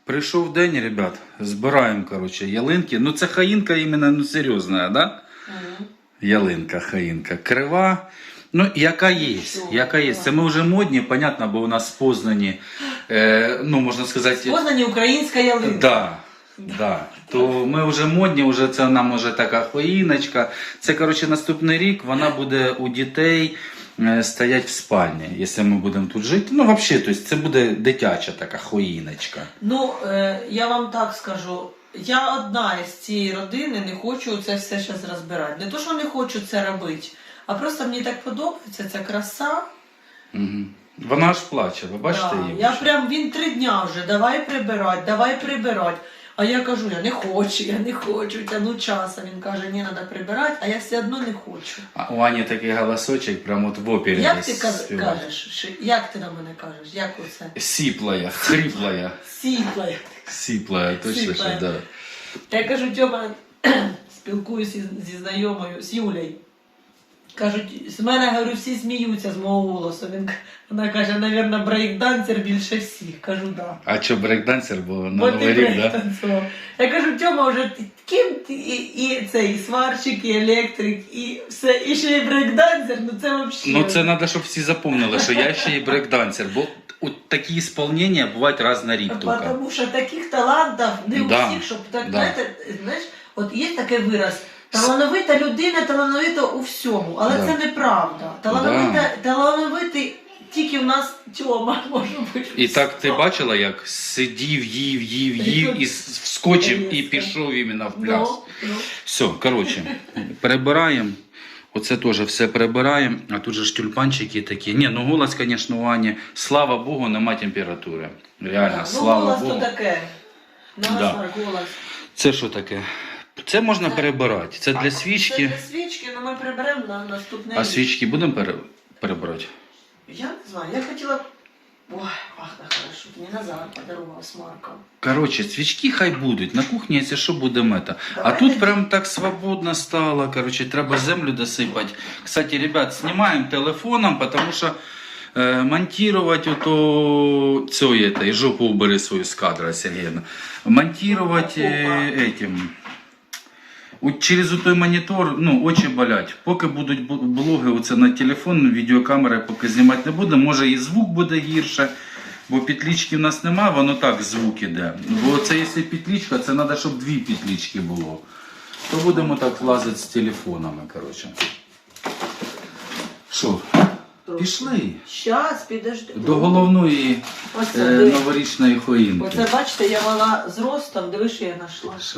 Прийшов день, ребят, збираємо, короче, ялинки. Ну це хаїнка іменно, ну серйозна, да? Ялинка, хаїнка. Крива. Ну, яка є, яка є. Це ми вже модні, понятно, бо у нас в Познані, ну, можна сказати... В Познані українська ялинка. Да. Да. То ми вже модні, вже це нам вже така хоїночка. Це, коротше, наступний рік, вона буде у дітей стоять в спальні, якщо ми будемо тут жити. Ну, взагалі, тобто, це буде дитяча така хоїночка. Ну, я вам так скажу. Я одна із цієї родини не хочу це все зараз розбирати. Не то, що не хочу це робити, а просто мені так подобається ця краса. Угу. Вона аж плаче, ви бачите її? Я прям, він 3 дня вже, давай прибирати. А я кажу, я не хочу, тяну часу. Він каже, ні, треба прибирати, а я все одно не хочу. А у Ані такий голосочок, прямо от в опері. Як ти кажеш? Як ти на мене кажеш? Як оце? Сіплая, хриплая. Сіплая. Сіплая, точно, що, да. Я кажу, Тьома, спілкуюся зі знайомою, з Юлею. Кажуть, з мене, говорю, всі сміються з мого голосу. Вона каже, мабуть, брейкдансер більше всіх. Кажу, да. А що, брейкдансер був на Бо Новий ти рік, да? танцював. Я кажу, Тьома, вже ким ти і цей, і сварщик, і електрик, і все, і ще й брейкдансер, ну це взагалі. Ну це треба, щоб всі запомнили, що я ще й брейкдансер, бо от такі ісполнення бувають раз на рік тільки. Тому що таких талантів не у всіх, щоб так, знаєте, от є такий вираз. Талановита людина, талановита у всьому, але це неправда. Талановитий тільки в нас Тьома може бути. І так ти бачила, як сидів, їв і вскочив і пішов іменно в пляс. Все, коротше, перебираємо. Оце теж все прибираємо, а тут же ж тюльпанчики такі. Ні, ну голос, звісно, у Ані, слава Богу, нема температури. Реально, слава Богу. Ну голос то таке. Голос. Це що таке? Це можна перебирати. Це для свічки. Це для свічки, але ми приберемо на наступний рік. А свічки будемо перебирати? Я не знаю, я хотіла... Ой, пахне хорошо, мені Назар подарував з Марком. Коротше, свічки хай будуть. На кухні, якщо що, будемо це. А тут прям так свободно стало. Коротше, треба землю досипати. Кстати, ребят, знімаємо телефоном, тому що монтировать ото... Цей, жопу убери свою з кадра, Сергіївна. Монтировать этим... Через той монітор, ну, очі болять. Поки будуть блоги оце на телефон, відеокамери поки знімати не буде. Може і звук буде гірше, бо петлички в нас немає, воно так звук іде. Бо це якщо петличка, це треба, щоб 2 петлички було. То будемо так лазити з телефонами, коротше. Що? Пішли. Щас, підожди. До головної новорічної хоїнки. Оце, бачите, я мала з ростом, диви, що я знайшла. Що?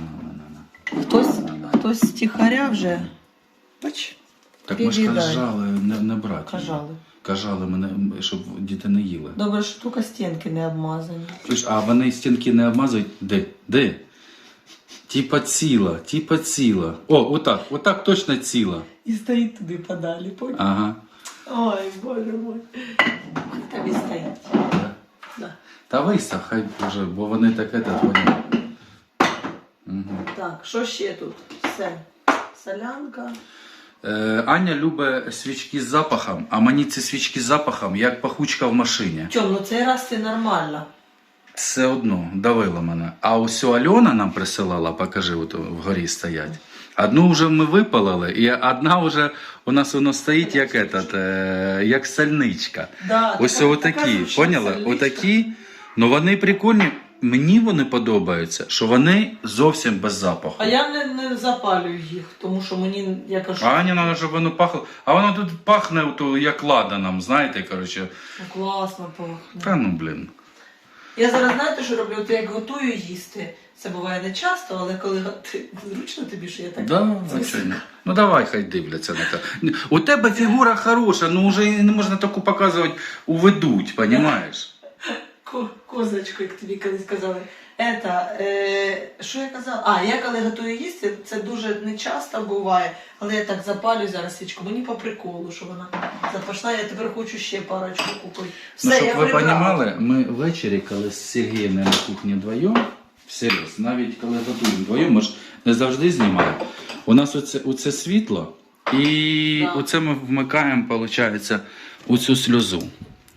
Хтось стихаря вже. Бач? Так ми ж кажали не брати. Кажали мене, щоб діти не їли. Добре, що тільки стінки не обмазані. А вони стінки не обмазують? Де? Типа ціла. О, отак точно ціла. І стоїть туди подалі, понял? Ага. Ой, боже мой. Тобі стоїть. Да. Та вистав, хай вже, бо вони таке поняли. Угу. Так, що ще тут? Все. Солянка. Аня любить свічки з запахом, а мені ці свічки з запахом, як пахучка в машині. Тьом, ну цей раз це нормально. Все одно, давило мене. А ось Альона нам присилала, покажи, от вгорі стоять. Одну вже ми випалили, і одна вже у нас воно стоїть як сальничка. Да, ось отакі, поняла? Отакі, ну вони прикольні. Мені вони подобаються, що вони зовсім без запаху. А я не запалюю їх, тому що мені, я кажу... А Ані треба, щоб воно пахло. А воно тут пахне, як ладаном, знаєте, коротше. Класно пахне. Та ну, блін. Я зараз, знаєте, що роблю? От як готую їсти. Це буває не часто, але коли зручно тобі, що я так... Да, звичайно. Ну давай, хай дивляться на те. У тебе фігура хороша, ну вже не можна таку показувати, уведуть, розумієш? Козочку, як тобі колись казали. Що я казала? Я коли готую їсти, це дуже не часто буває, але я так запалюю зараз свічку. Мені по приколу, що вона запашла, я тепер хочу ще парочку купити. Все, ну, щоб я ви прибрала. розуміли, ми ввечері, коли з Сергієм на кухні вдвоєм, всерйоз, навіть коли готуємо вдвоєм, ми ж не завжди знімаємо. У нас оце світло, і оце ми вмикаємо, виходить, оцю сльозу.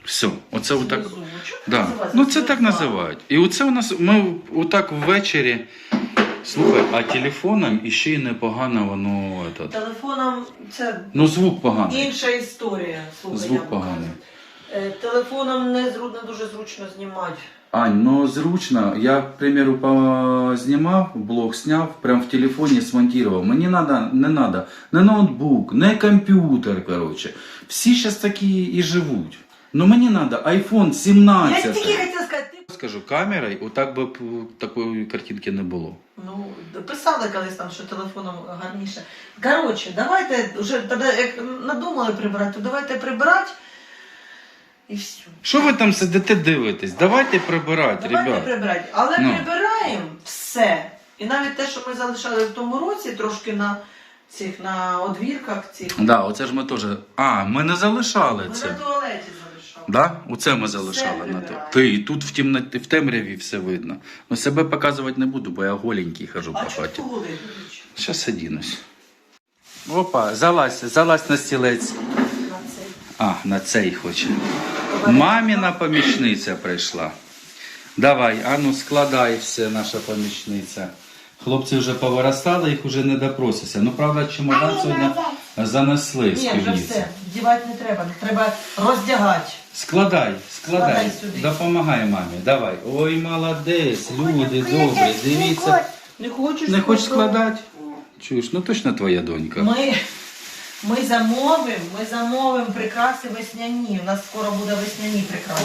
Все, оце отак. Внизу. Чого Да. називається? Ну це так називають. І оце у нас, ми отак ввечері, слухай, а телефоном іще й непогано воно, этот, Телефоном це ну звук поганий. інша історія. Слухай, Звук я поганий. показую. Телефоном не дуже зручно знімати. Ань, ну зручно. Я, к примеру, знімав, блог сняв, прям в телефоні смонтував. Мені не надо не ноутбук, не комп'ютер, короче. Всі зараз такі і живуть. Ну мені надо iPhone 17. Я тільки хотіла сказати, ти... Скажу, камерою, отак би такої картинки не було. Ну, писали колись там, що телефоном гарніше. Коротше, давайте, вже тоді, як надумали прибирати, то давайте прибирати і все. Що ви там сидите дивитесь? Давайте прибирати, Давайте ребят. прибирати. Але Ну. прибираємо все. І навіть те, що ми залишали в тому році, трошки на одвірках цих. Да, оце ж ми теж. А, ми не залишали Ми це. на туалеті залишали. Да? Оце ми залишали на те. прибираємо. Ти і тут в темряві все видно. Ну себе показувати не буду, бо я голенький хожу А по чого хаті. ти голий? Зараз одінусь. Опа, залазь на стілець. На цей. А, на цей хоче. Маміна помічниця прийшла. Давай, ану складай все, наша помічниця. Хлопці вже повиростали, їх вже не допросишся. Ну, правда, чемодан сьогодні занесли з Ні, вже півниці. все. Вдівати не треба. Треба роздягати. Складай. Складай сюди. Допомагай мамі. Давай. Ой, молодець, люди добрі, дивіться. Не хочеш? Не хочеш складати? складати? Чуєш, ну точно твоя донька. Ми замовимо прикраси весняні. У нас скоро буде весняні прикраси.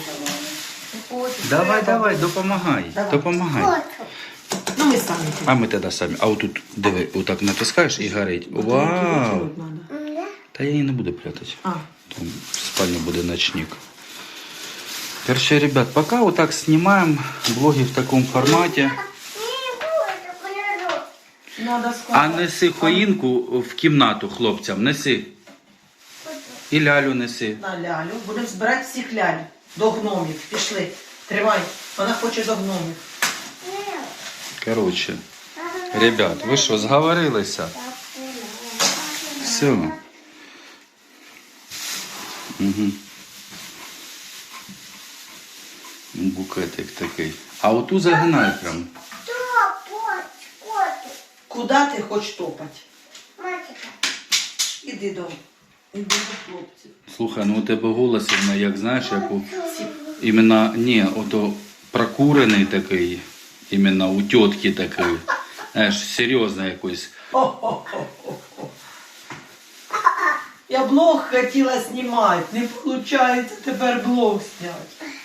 Давай, допомагай. Давай. Допомагай. Ну ми самі. А ми тоді самі. А отут, диви, отак натискаєш і горить. Вау! Та я її не буду прятати. А. Там в спальне буде ночник. Короче, ребят, пока вот так снимаем блоги в таком формате. Надо А складати. неси хоїнку в кімнату хлопцям, неси. І лялю неси. На лялю. Будемо збирати всіх ляль. До гномів. Пішли. Тримай. Вона хоче до гномів. Короче, ребят, ви що, зговорилися? Все. Угу. Букетик такий. А оту загинай прям. Куди ти хочеш топати? Іди до хлопців. Слухай, ну у тебе голос, іменно, як знаєш, як у... Іменно, ні, ото прокурений такий, іменно у тітки такий. Знаєш, серйозно якось. Я блог хотіла знімати, не виходить тепер блог зняти.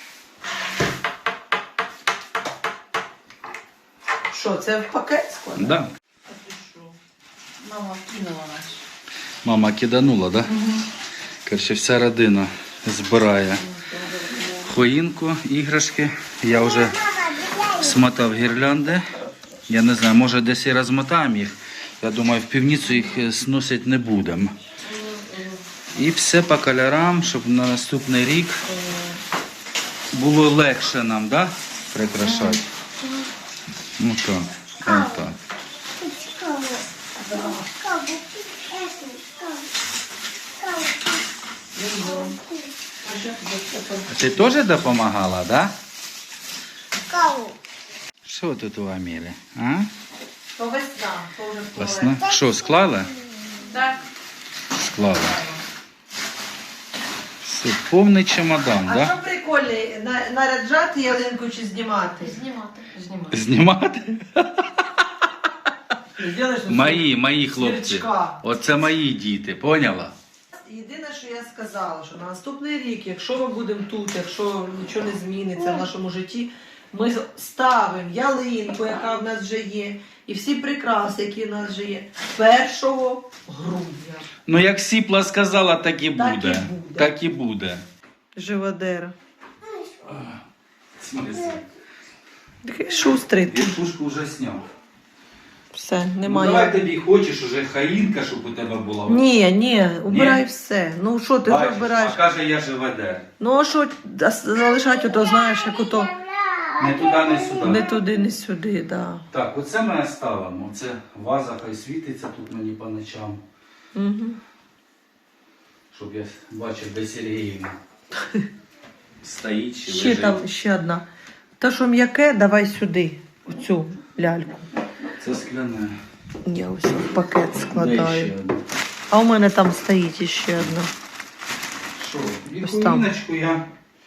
Що, це в пакет складати? Да. А ти що? Мама кинула нас. Мама киданула, да? Короче, вся родина збирає хоїнку, іграшки. Я вже смотав гірлянди. Я не знаю, може десь і розмотаємо їх. Я думаю, в півницю їх зносити не будемо. І все по кольорам, щоб на наступний рік було легше нам, да? Прикрашати. Ну так, так. А ти теж допомагала, да? Що тут у Амірі? А? То весна, то вже в Весна? Що, склала? Так. Склала. Все, повний чемодан, А да? що прикольне, наряджати ялинку чи знімати? Знімати. Знімати? Зробиш Мої хлопці. Зірочка. Оце мої діти, поняла? Єдине, що я сказала, що на наступний рік, якщо ми будемо тут, якщо нічого не зміниться в нашому житті, ми ставимо ялинку, яка в нас вже є, і всі прикраси, які в нас вже є, 1 грудня. Ну як Сіпла сказала, так і Так і буде. буде. Так і буде. Живодера. В смысле? Такий шустрий. Я пушку вже зняв. Все, Ну, немає. давай тобі хочеш уже хаїнка, щоб у тебе була. Ні, убирай Ні? все. Ну що ти вже Бачиш, вбираєш? а каже, я живодер. Ну а що залишати, ото знаєш, як ото Не туди, не сюди. не туди, не сюди, да. Так, оце ми ставимо. Оце ваза хай світиться тут мені по ночам. Угу. Щоб я бачив, де Сергіївна. стоїть чи Ще лежить. там, ще одна. Та, що м'яке, давай сюди, в цю ляльку. Це скляне. Я ось в пакет Де складаю. ще одне? А у мене там стоїть іще одна. Що? І Ось там. хуїночку я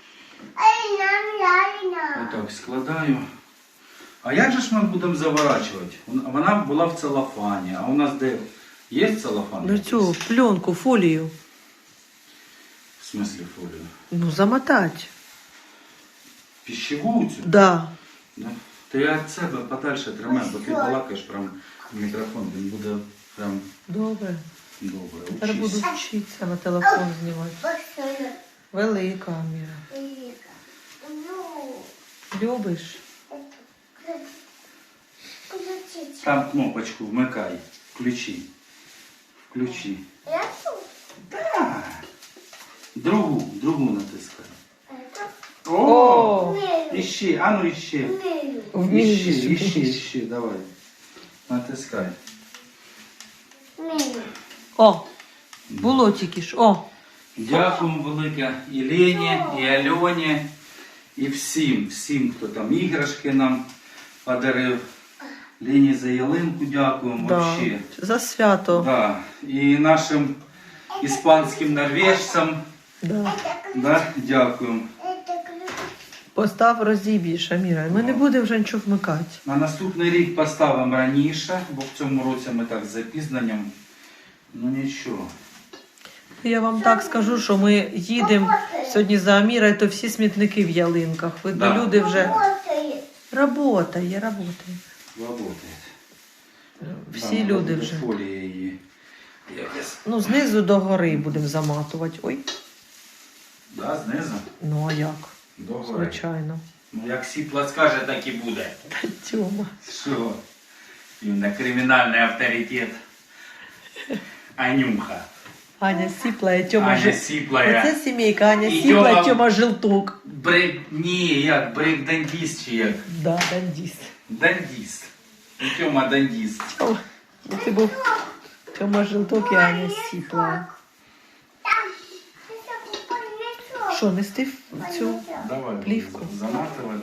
отак складаю. А як же ж ми будемо заворачувати? Вона була в целофані. А у нас де є целофан? Ну цю пленку, фолію. В смислі фолію? Ну, замотать. Пищеву цю? Да. Да. Ти від себе подальше тримай, бо ти балакаєш прям в мікрофон, він буде прям Добре. добре. Тепер буду Учись. вчитися на телефон знімати. Велика Аміра. Любиш? Там кнопочку вмикай. Включи. Включи. Да. Другу натискай. О! Іщи, а ну іщи. Вмієш. Іщи, давай. Натискай. О, було тільки ж. О, Дякуємо велике і Лені, і Альоні, і всім, хто там іграшки нам подарив. Лені за ялинку дякуємо, да. вообще. За свято. Да. І нашим іспанським норвежцям, Да. да, дякуємо. Постав розіб'єш, Аміра. Ми не будемо вже нічого вмикати. На наступний рік поставимо раніше, бо в цьому році ми так з запізненням. Ну нічого. Я вам так скажу, що ми їдемо сьогодні за Амірою, то всі смітники в ялинках. Видно, Да. люди вже... Работає. Работает. Всі Да, люди буде вже. Фолія її. Якось. Ну, знизу до гори будемо заматувати. Ой, Да, знизу. ну а як? До гори. Звичайно. Ну, як Сіпла скаже, так і буде. Та Тьома. Що? Він на кримінальний авторитет. Анюха. Аня Сіпла і Тьома Аня Жил... Сіплая. Оце сімейка, Аня І Сіпла Тьома- і Тьома Жилтук. Ні, як брейк-дандіст чи як? Да, дандіст. Дандіст. І Тьома дандіст. Тьома, ну, ти був Тьома Жилтук і Аня Сіпла. Що, нести в цю? Давай. Плівку. Заматывай.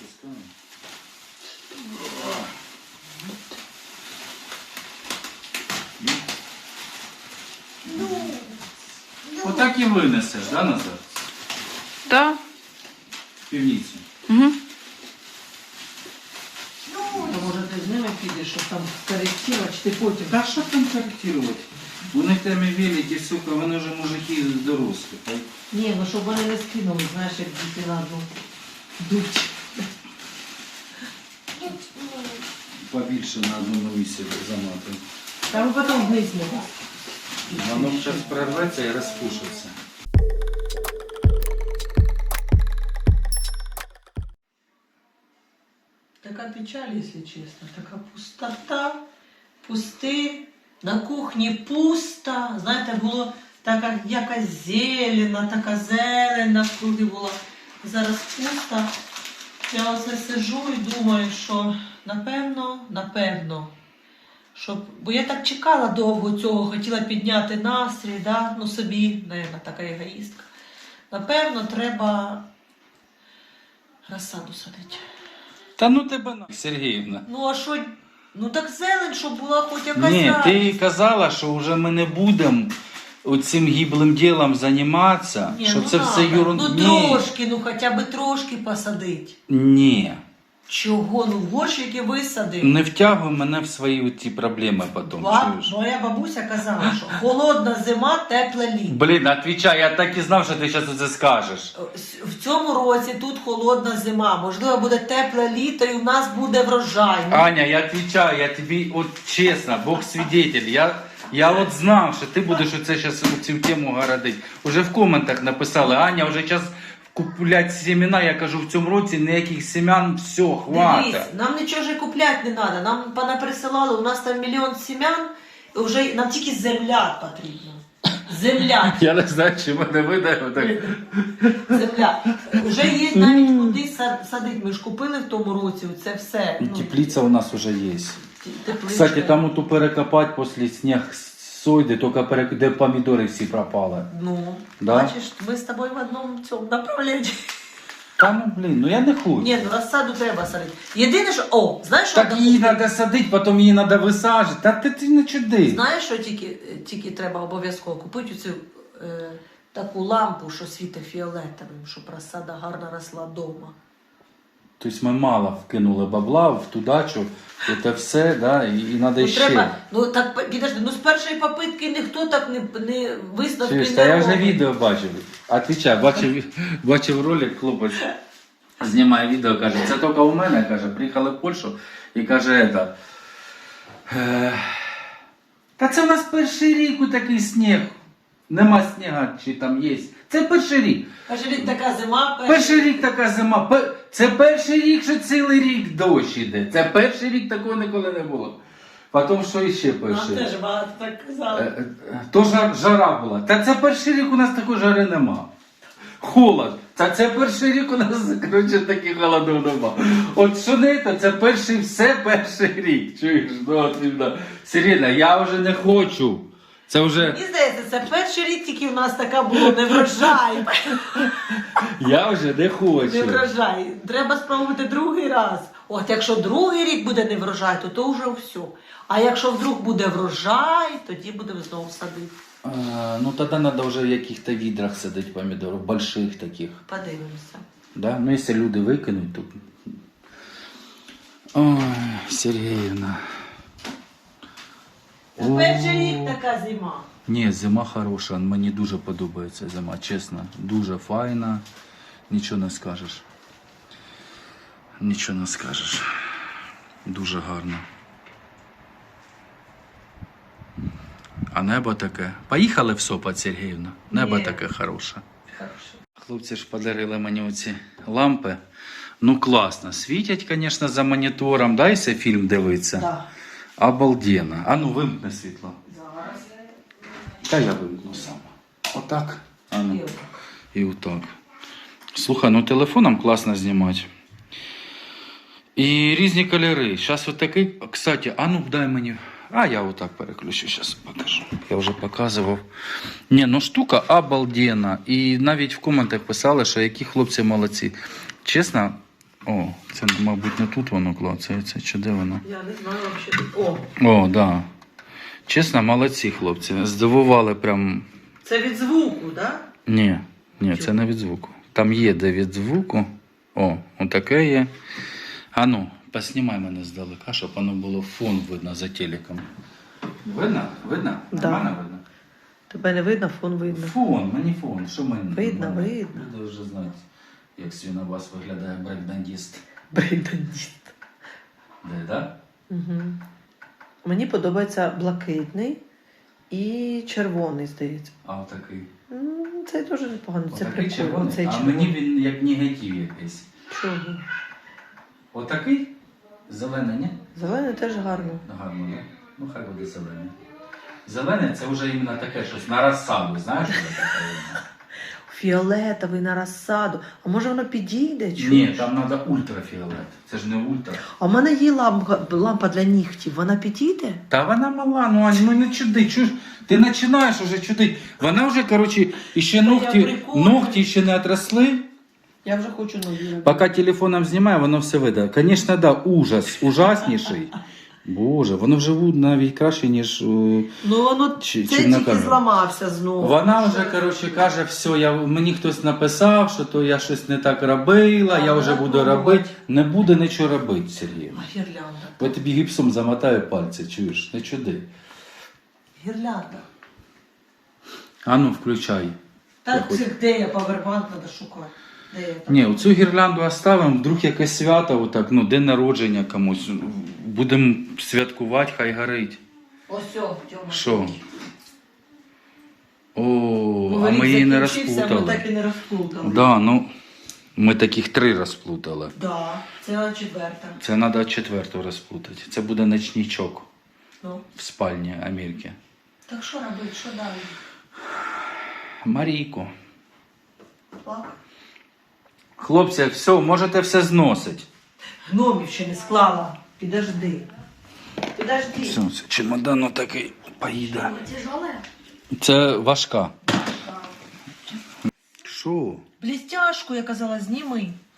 Отак і винесеш, да, назад? Так. В півницю. Угу. Може ти з ними підеш, щоб там коректувати, чи ти потім? Та що там корректувати? У них там і великі, сука, вони вже мужики дорослі. Ні, ну щоб вони не скинули, знаєш, як діти на одну дуть. Побільше на одному місці заматуємо. Там потім вниз можна. Воно зараз прорветься і розпушиться. Така печаль, якщо чесно, така пустота, пусти, на кухні пусто. Знаєте, було така якась зелена, така зелень навкруги була. Зараз пусто. Я оце сижу і думаю, що напевно, щоб... Бо я так чекала довго цього, хотіла підняти настрій, да? Ну собі, навіть така егоїстка. Напевно, треба розсаду садити. Та ну тебе на, Сергіївна. Ну а що? Ну так зелень, щоб була хоч якась Ні, радість. ти казала, що вже ми не будемо цим гіблим ділом займатися, Ні, що ну це надо. все ерунда. Ну трошки, ну хоча б трошки посадить. Ні. Чого? Ну в горщики висадив. Не втягуй мене в свої ці проблеми потім. чуєш? Моя бабуся казала, що холодна зима, тепле літо. Блін, отвічай, я так і знав, що ти зараз це скажеш. В цьому році тут холодна зима, можливо, буде тепле літо і у нас буде врожай. Ну, Аня, я отвечаю, я тобі, от чесно, Бог свидетель, я от знав, що ти будеш оце зараз цю тему городити. Уже в коментах написали, Аня, вже зараз куплять семена, я кажу, в цьому році ніяких семян, все, хватить. дивись, нам нічого ж і купляти не треба. Нам понаприсилали, у нас там 1 мільйон семян, і вже нам тільки земля потрібна. Земля. Я не знаю, чи мене видає так. Земля. Вже є навіть куди садити. Ми ж купили в тому році це все. І теплиця у нас вже є. Тепличка. Кстати, там оту перекопати після сніг сойде, тільки де помідори всі пропали. Ну, Да? бачиш, ми з тобою в одному цьому направленні. Та ну блін, ну я не хочу. Ні, ну розсаду треба садити. Єдине, що... О, знаєш, що Так треба її купити? треба садити, потім її треба висаджувати. Та ти не чуди. Знаєш, що тільки треба обов'язково купити цю таку лампу, що світить фіолетовим, щоб розсада гарно росла вдома. Тобто ми мало вкинули бабла в ту дачу, це все, да, і треба Ну, ще. треба, ну так, підожди, ну з першої попитки ніхто так не висновки Чуєш, не та я вже робить. відео бачив. Отвічай, бачив ролик, хлопець знімає відео, каже, це тільки у мене, каже, приїхали в Польщу і каже, та це у нас перший рік у такий сніг. Нема сніга, чи там є. Це перший рік. Перший рік така зима, Перший рік така зима. Це перший рік, що цілий рік дощ іде. Це перший рік такого ніколи не було. Потім що іще Нам перший? теж багато так казали. То жара була. Та це перший рік у нас такої жари нема. Холод. Та це перший рік у нас, коротше, таких холодів нема. От що не це перший, все перший рік. Чуєш? Ну, от, іменно. Сирена, я вже не хочу. Це вже... Мені здається, це перший рік тільки в нас така було не врожай. Я вже не хочу. Не врожай. Треба спробувати другий раз. От якщо другий рік буде не врожай, то вже все. А якщо вдруг буде врожай, тоді будемо знову садити. Ну тоді треба вже в яких-то відрах садити помідори, больших таких. Подивимося. Да? Ну якщо люди викинуть, то... Ой, Сергіївна. Це перший рік така зима. Ні, зима хороша, мені дуже подобається зима, чесно. Дуже файна, нічого не скажеш. Нічого не скажеш. Дуже гарно. А небо таке. Поїхали в Сопот, Сергіївна? Небо Ні. таке хороше. Хорошо. Хлопці ж подарили мені оці лампи. Ну класно. Світять, звісно, за монітором. Дайся фільм дивитися. Да. Обалденно. А ну вимкни світло. Зараз. Та я вимкну сам. Отак. А ну. І отак. І отак. Слухай, ну телефоном класно знімати. І різні кольори. Зараз отакий. Кстати, а ну дай мені. А я отак переключу, зараз покажу. Я вже показував. Ні, ну штука обалденна. І навіть в коментах писали, що які хлопці молодці. Чесно, о, це, мабуть, не тут воно клацається, чи де воно? Я не знаю взагалі. О, О, да. Чесно, молодці хлопці. Здивували прям. це від звуку, так? Ні, це не від звуку. Там є де від звуку. О, отаке є. А ну, поснімай мене здалека, щоб воно було фон видно за телеком. Видно? Видно? Да. Нормально видно? Тебе не видно, фон видно. Фон, мені фон. Що мені? Видно, нормально? видно. Люди вже знають, як свінобас виглядає брейкдандіст. Брейкдандіст. Де, да? Угу. Мені подобається блакитний і червоний, здається. А отакий. Це дуже непогано, це Отакий прикольно. червоний? Цей А червоний. мені він як негатив якийсь. Чого? Отакий? Зелений, ні? Зелений теж гарно. Гарно, да? Ну хай буде зелений. Зелене це вже іменно таке щось на розсаду, знаєш, що це таке? Фіолетовий на розсаду. А може воно підійде? Ні, Чуєш? там треба ультрафіолет. Це ж не ультра. А в мене є лампа для нігтів. Вона підійде? Та вона мала, ну Ань, ну не чуди, чуєш? Ти починаєш уже чудити. Вона вже, коротше, іще ногті ще не отросли. Я вже хочу нові. Поки телефоном знімає, воно все видає. Звісно, да, ужас, ужасніший. Боже, воно вже навіть краще, ніж... Ну воно це чим на тільки камеру. зламався знову. Вона вже, коротше, каже, все, мені хтось написав, що то я щось не так робила, я вже буду робити. Не буде нічого робити, Сергій. А гірлянда. Я тобі гіпсом замотаю пальці, чуєш? Не чуди. Гірлянда. А ну, включай. Так, де я павербанк треба шукати. Де я там? Ні, оцю гірлянду оставимо, вдруг якесь свято, отак, ну, день народження комусь. Будемо святкувати, хай горить. Ось, Тьома. Що? О, Новий а рік ми її не закінчився, Ми розплутали. так і не розплутали. Да, ну, ми таких 3 розплутали. Да, це четверта. Це треба 4-ту розплутати. Це буде ночничок Ну. в спальні Амельки. Так що робити, що далі? Марійку. Плак? Хлопці, все, можете все зносити. Гномів ще не склала. Підожди. Все, це чемодан отакий поїде. Тяжеле? Це важка. Що? Блістяшку, я казала, зніми.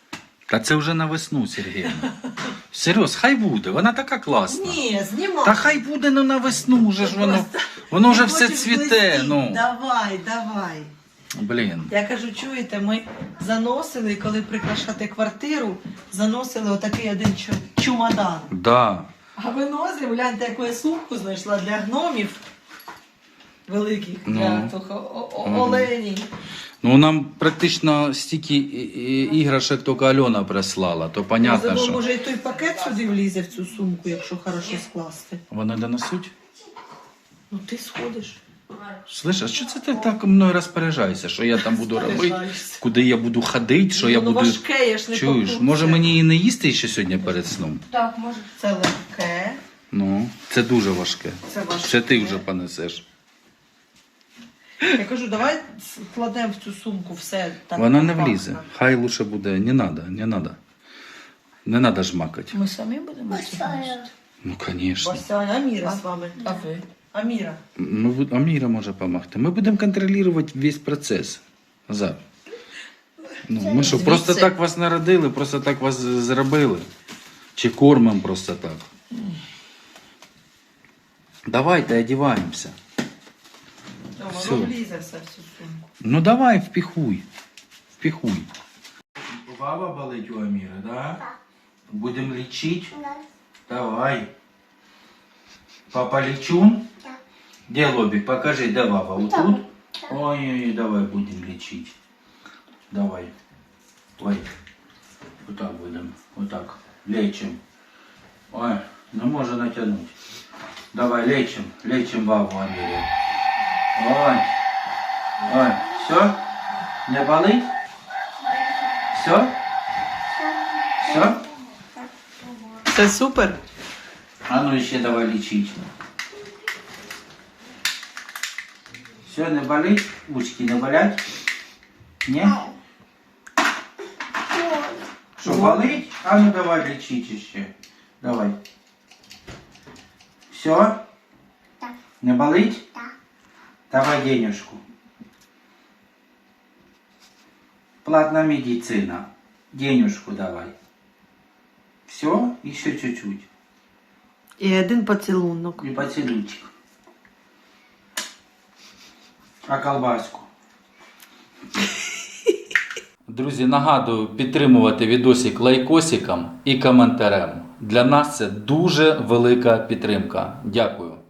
Та це вже на весну, Сергіївна. Серйоз, хай буде, вона така класна. Ні, знімай. Та хай буде, ну на весну вже ж воно вже все Хочеш цвіте, блистіть? ну. Давай, давай. Блін. Я кажу, чуєте, ми заносили, коли прикрашати квартиру, заносили отакий один чумадан. Да. А виносимо, гляньте, яку я сумку знайшла для гномів великих, для Ну. оленів. Ну нам практично стільки іграшок тільки Альона прислала, то понятно, Можливо, що. може і той пакет сюди влізе в цю сумку, якщо хорошо скласти. Вони донесуть? Ну ти сходиш. Слышь, а що це ти так мною розпоряджаєшся? Що я там буду робити? Розпоряджаєшся. Куди я буду ходити? Що я Воно буду. важке, я ж не Чуєш, покупця. може мені її не їсти ще сьогодні перед сном? Так, може. Це легке, Ну, це дуже важке. це важке. Це ти вже понесеш. Я кажу, давай складемо в цю сумку все так. Вона не компактно. влізе. Хай лучше буде. Не надо, не надо. Не надо жмакати. Ми самі будемо це носити? Ну, звісно. Вася, Аміра з вами. А ви? Аміра. Ну, Аміра може допомогти. Ми будемо контролювати весь процес. Назар. Ну, ми що, просто Звідси. так вас народили, просто так вас зробили? Чи кормимо просто так? Давайте одіваємося. Все. Воно влізе все в цю сумку. Ну давай, впихуй. Впихуй. Баба болить у Аміри, да? Будемо лічити? Давай. Папа лечу? Где лобик? Покажи, да, баба, вот тут? Ой, давай будем лечить. Давай. Ой. Вот так будем. Вот так. Лечим. Ой, не може натянуть. Давай, лечим. Лечим бабу Амиру. Ой. Ой. Все? Не болит? Все? Все? Це супер. А ну еще давай лечить. Все, не болит? Ушки не болят? Не? Что, болит? А ну давай лечить еще. Давай. Все? Не болит? Давай денежку. Платная медицина. Денежку давай. Все? Еще чуть-чуть. І один поцілунок. И поцелуйчик. А колбаску? Друзі, нагадую підтримувати відосик лайкосиком і коментарем. Для нас це дуже велика підтримка. Дякую.